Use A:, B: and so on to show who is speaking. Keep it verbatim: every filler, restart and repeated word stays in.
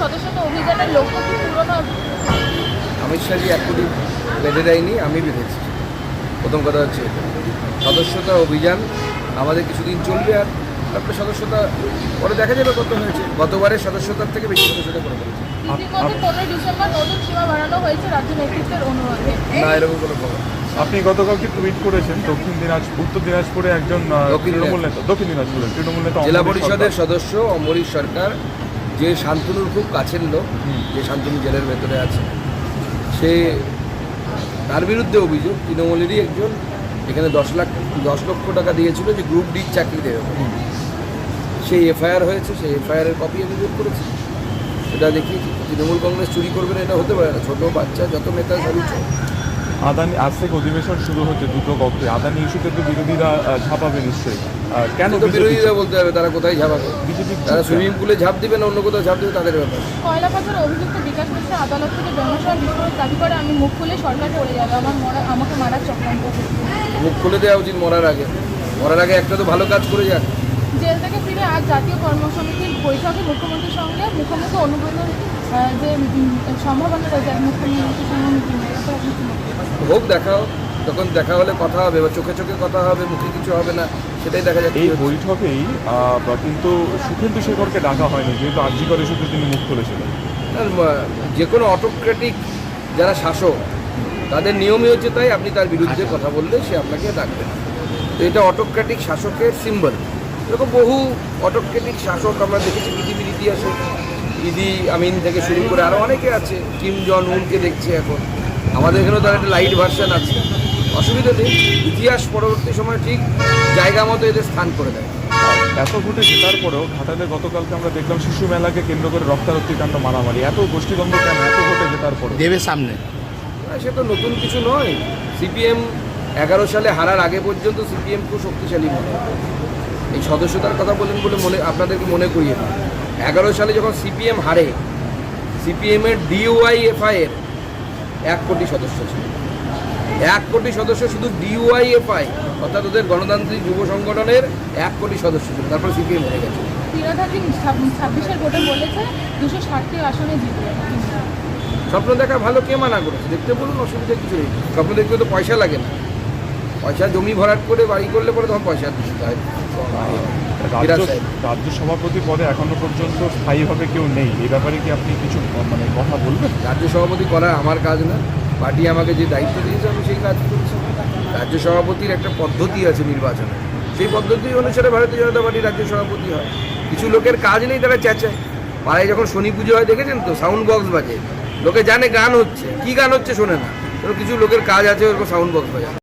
A: সদস্যতা অভিযানের লক্ষ্য কি পূরণ হবে?
B: অমিত শাহজি এক কোটি বেঁধে দেয়নি, আমি বেঁধেছি। প্রথম কথা হচ্ছে এটা। সদস্যতা অভিযান আমাদের কিছুদিন চলবে, আর তারপরে সদস্যতা পরে দেখা যাবে কত হয়েছে। গতবারের সদস্যতার থেকে বেশি সদস্যতা করে ফেলেছে।
A: ইতিমধ্যে পনেরোই ডিসেম্বর নতুন সীমা বাড়ানো হয়েছে রাজ্য নেতৃত্বের অনুরোধে।
B: না, এরকম কোনো খবর।
C: আপনি গতকালকে টুইট করেছেন দক্ষিণ দিনাজপুর উত্তর দিনাজপুরে একজন আহ,
B: দক্ষিণ
C: তৃণমূল নেতা দক্ষিণ দিনাজপুরের তৃণমূল নেতা
B: জেলা
C: অমরেশ
B: পরিষদের
C: সরকার।
B: সদস্য অমরিশ সরকার, যে শান্তনুর খুব কাছের লোক, যে শান্তনু জেলের ভেতরে আছে, সে তার বিরুদ্ধে অভিযোগ তৃণমূলেরই একজন এখানে দশ লাখ দশ লক্ষ টাকা দিয়েছিল যে গ্রুপ ডির চাকরি দেবে। সেই এফআইআর হয়েছে, সেই এফআইআরের কপি আমি বের করেছি, সেটা দেখিয়েছি। তৃণমূল কংগ্রেস চুরি করবে না এটা হতে পারে না। ছোটো বাচ্চা যত নেতা সবই চোর।
C: আদানি আজ থেকে অধিবেশন শুরু হচ্ছে দুটো কক্ষে। আদানি ইস্যুতে তো বিরোধীরা আহ, ঝাঁপাবে নিশ্চয়ই। আহ, কেন
B: তো বিরোধীরা বলতে হবে তারা কোথায় ঝাঁপাবে।
C: বিজেপি
B: তারা সুইমিং পুলে ঝাঁপ দিবে না অন্য কোথাও ঝাঁপ দেবে, তাদের ব্যাপার।
A: কয়লা পাচার অভিযুক্ত বিকাশ মিশ্র আদালত থেকে জনসভা বিস্ফোরক দাবি করে, আমি মুখ খুলে সরকার পড়ে যাবে, আমার মরা আমাকে মারার চক্রান্ত করছে।
B: মুখ খুলে দেওয়া উচিত মরার আগে। মরার আগে একটা তো ভালো কাজ করে যাক।
A: জেল থেকে ফিরে আজ জাতীয় কর্মসমিতির বৈঠকে মুখ্যমন্ত্রীর সঙ্গে মুখোমুখি অনুমোদন যে উম, সম্ভাবনা রয়েছে মুখ্যমন্ত্রীর সঙ্গে meeting এর, এটা আপনি কি মনে করেন?
B: হোক, দেখাও, তখন দেখা হলে কথা হবে, বা চোখে চোখে কথা হবে, মুখে কিছু হবে না, সেটাই দেখা যাচ্ছে।
C: এই বৈঠকেই আহ, বা কিন্তু সুখেন্দু শেখরকে ডাকা হয়নি, যেহেতু আর্জি করে শুধু তিনি মুখ খুলেছিলেন।
B: আর, আহ, যে কোনো অটোক্রেটিক যারা শাসক তাদের নিয়মই হচ্ছে তাই, আপনি তার বিরুদ্ধে কথা বললে সে আপনাকে ডাকবে না। তো এটা অটোক্রেটিক শাসকের সিম্বল। এরকম বহু অটোক্রেটিক শাসক আমরা দেখেছি পৃথিবীর ইতিহাসে। ইদি আমিন থেকে শুরু করে আরও অনেকে আছে। কিম জন উনকে দেখছি এখন। আমাদের এখানেও তার একটা লাইট ভার্সন আছে, অসুবিধা নেই। ইতিহাস পরবর্তী সময় ঠিক জায়গা মতো এদের স্থান করে দেয়।
C: এত ভোটে জেতার পরেও ঘাটালে গতকালকে আমরা দেখলাম শিশু মেলাকে কেন্দ্র করে রক্তারক্তি কাণ্ড, মারামারি। এত গোষ্ঠীদ্বন্দ্ব কেন এত ভোটে জেতার পরে?
D: দেবের সামনে
B: না, সে তো নতুন কিছু নয়। সিপিএম এগারো সালে হারার আগে পর্যন্ত সিপিএম খুব শক্তিশালী মনে হয়। এই সদস্যতার কথা বলেন বলে মনে আপনাদেরকে মনে করিয়ে দিই, এগারো সালে যখন সিপিএম হারে, সিপিএমের ডিওয়াইএফআই এর এক কোটি সদস্য ছিল। এক কোটি সদস্য শুধু ডিওয়াইএফআই, অর্থাৎ ওদের গণতান্ত্রিক যুব সংগঠনের এক কোটি সদস্য ছিল। তারপর সিপিএম হয়ে গেছে।
A: তীরাধারী ছাব্বিশের ভোটে বলেছে দুশো ষাটটি আসনে জিতবে।
B: স্বপ্ন দেখা ভালো, কে মানা করেছে? দেখতে বলুন, অসুবিধা কিছু নেই। স্বপ্ন দেখতে তো পয়সা লাগে না। পয়সা জমি ভরাট করে বাড়ি করলে পরে তখন পয়সা দিতে হয়।
C: রাজ্য রাজ্য সভাপতি পদে এখনো পর্যন্ত স্থায়ীভাবে কেউ নেই। এই ব্যাপারে কি আপনি কিছু মানে কথা বলবেন?
B: রাজ্য সভাপতি করা আমার কাজ না। পার্টি আমাকে যে দায়িত্ব দিয়েছে আমি সেই কাজ করছি। রাজ্য সভাপতির একটা পদ্ধতি আছে নির্বাচনে, সেই পদ্ধতি অনুসারে ভারতীয় জনতা পার্টি রাজ্য সভাপতি হয়। কিছু লোকের কাজ নেই, তারা চেঁচায়। পাড়ায় যখন শনি পুজো হয় দেখেছেন তো, সাউন্ড বক্স বাজে। লোকে জানে গান হচ্ছে, কি গান হচ্ছে শোনে না। কিছু লোকের কাজ আছে ওরকম সাউন্ড বক্স বাজায়।